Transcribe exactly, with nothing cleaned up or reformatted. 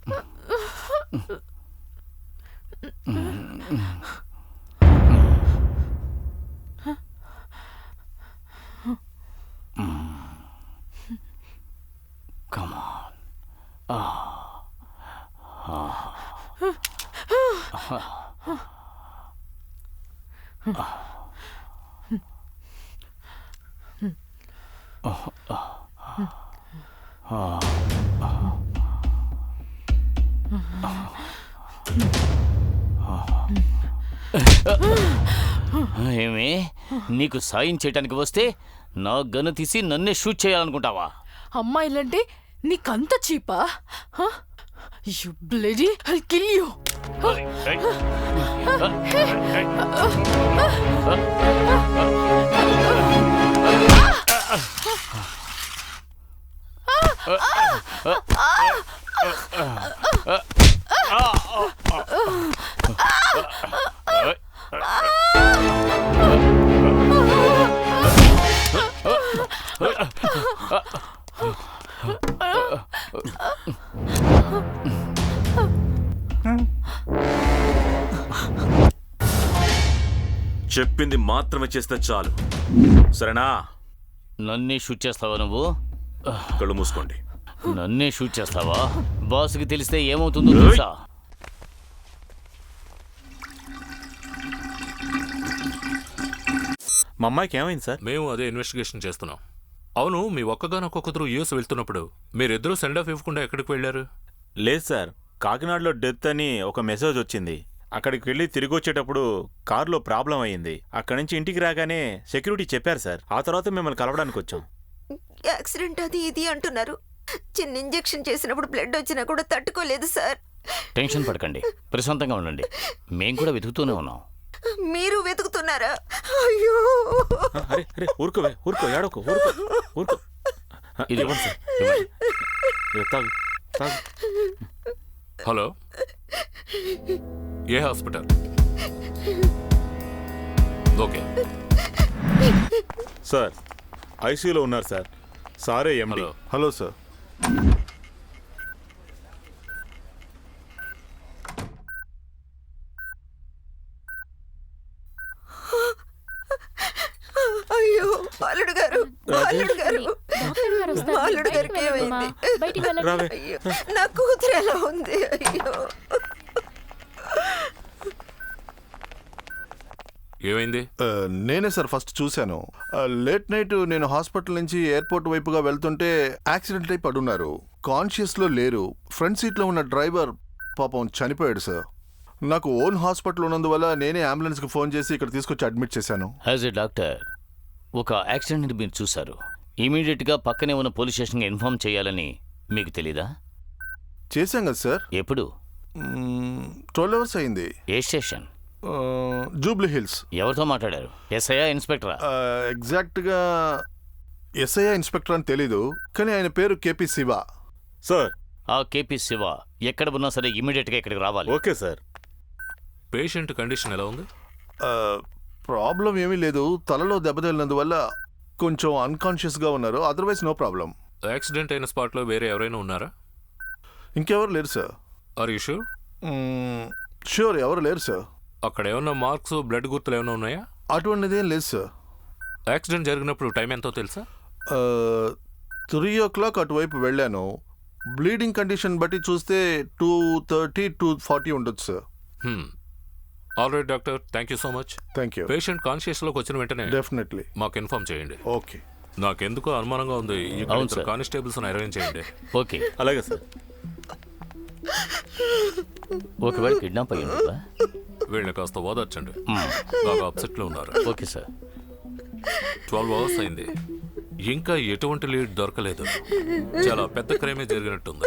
Come on. Ah. Ah. ఏమే నీకు సాయం చేయడానికి వస్తే నా గన్ను తీసి నన్నే షూట్ చేయాలనుకుంటావా? అమ్మాయిలంటే నీకంత చీపా? You bloody I'll kill you. చెప్పింది మాత్రమే చేస్తే చాలు, సరేనా? నన్నే షూట్ చేస్తావా నువ్వు? కళ్ళు మూసుకోండి. నన్నే షూట్ చేస్తావా? బాస్కి తెలిస్తే ఏమవుతుందో తెలుసా? మా అమ్మాయికి ఏమైంది సార్? మేము అదే ఇన్వెస్టిగేషన్ చేస్తున్నాం. అవును, మీ ఒక్కగానొక్క కూతురు యూఎస్ వెళ్తున్నప్పుడు మీరిద్దరూ సెండ్ ఆఫ్ ఇవ్వకుండా ఎక్కడికి వెళ్ళారు? లేదు సార్, కాకినాడలో డెత్ అని ఒక మెసేజ్ వచ్చింది. అక్కడికి వెళ్ళి తిరిగి వచ్చేటప్పుడు కారులో ప్రాబ్లం అయ్యింది. అక్కడి నుంచి ఇంటికి రాగానే సెక్యూరిటీ చెప్పారు సార్. ఆ తర్వాత మిమ్మల్ని కలవడానికి వచ్చాం. యాక్సిడెంట్ అది ఇది అంటున్నారు. చిన్న ఇంజెక్షన్ చేసినప్పుడు బ్లడ్ వచ్చినా కూడా తట్టుకోలేదు సార్. టెన్షన్ పడకండి, ప్రశాంతంగా ఉండండి. మేము కూడా వెతుకుతూనే ఉన్నాం. మీరు వెతుకుతున్నారా? అయ్యో, అరే అరే ఊరుకో ఊరుకో ఏడోకో ఊరుకో ఊరుకో. ఇది ఇవ్వండి సార్, ఇవ్వండి. తాగు తాగు. హలో, ఏ హాస్పిటల్? ఓకే సార్, ఐసీయూలో ఉన్నారు సార్. సారే ఎండి. Hello sir. అయ్యో బాలుడు గారు, బాలుడు గారు, బాలుడు గారికి ఏమైంది? అయ్యో, నా కూతురు ఎలా ఉంది? అయ్యో, ఏమైంది? నేనే సార్ ఫస్ట్ చూశాను. లేట్ నైట్ నేను హాస్పిటల్ నుంచి ఎయిర్పోర్ట్ వైపుగా వెళ్తుంటే యాక్సిడెంట్ అయి పడున్నారు. కాన్షియస్ లో లేరు. ఫ్రంట్ సీట్ లో ఉన్న డ్రైవర్ పాపం చనిపోయాడు సార్. నాకు ఓన్ హాస్పిటల్ ఉన్నందువల్ల నేనే అంబులెన్స్ కి ఫోన్ చేసి ఇక్కడ తీసుకొచ్చి అడ్మిట్ చేశాను. యాజ్ ఎ డాక్టర్, ఒక యాక్సిడెంట్ మీరు చూశారు. ఇమీడియట్ గా పక్కనే ఉన్న పోలీస్ స్టేషన్ ఇన్ఫార్మ్ చేయాలని మీకు తెలీదా? చేశాం కదా సార్. ఎప్పుడు? ట్వెల్వ్ అవర్స్ అయింది. ఏ స్టేషన్? జూబ్లీ హిల్స్. ఎవరితో మాట్లాడారు? ఎస్ఐ ఇన్స్పెక్టరా? ఎగ్జాక్ట్ గా ఎస్ఐ ఇన్స్పెక్టర్ అని తెలీదు, కానీ ఆయన పేరు కేపీ శివ సార్. ఆ కేపీ శివ ఎక్కడ ఉన్నా సరే ఇమీడియట్ గా ఇక్కడికి రావాలి. Okay sir. పేషెంట్ కండిషన్ ఎలా ఉంది? ప్రాబ్లం ఏమీ లేదు. తలలో దెబ్బతగిలినందువల్ల కొంచెం అన్కాన్షియస్ గా ఉన్నారు. Otherwise no problem. యాక్సిడెంట్ అయిన స్పాట్ లో వేరే ఎవరైనా ఉన్నారా? ఇంకెవరు లేరు sir. Are you sure? Sure, ఎవరు లేరు సార్. అక్కడ ఏమన్నా మార్క్స్, బ్లడ్ గుర్తులు ఏమైనా ఉన్నాయా? అటువంటిదేం లేదు సార్. యాక్సిడెంట్ జరిగినప్పుడు టైం ఎంతో తెలుసా? త్రీ ఓ క్లాక్ అటువైపు వెళ్ళాను. బ్లీడింగ్ కండిషన్ బట్టి చూస్తే టూ థర్టీ టూ ఫార్టీ ఉండొచ్చు sir. All right doctor, thank you so much. Thank you. Patient conscious లోకి వచ్చిన వెంటనే డెఫినెట్లీ మాకు ఇన్ఫార్మ్ చేయండి. ఓకే. నాకెందుకో అనుమానంగా ఉంది. కానిస్టేబుల్స్ అరేంజ్ చేయండి. ఓకే, అలాగే సార్. ఒకవేళ కిడ్నాప్ అయ్యి ఉంటుందా? వీళ్ళని కాస్త ఓదార్చండి, బాగా అప్సెట్ లో ఉన్నారు. Okay sir. ట్వెల్వ్ అవర్స్ అయింది, ఇంకా ఎటువంటి లీడ్ దొరకలేదు. చాలా పెద్ద క్రైమే జరిగినట్టుంది.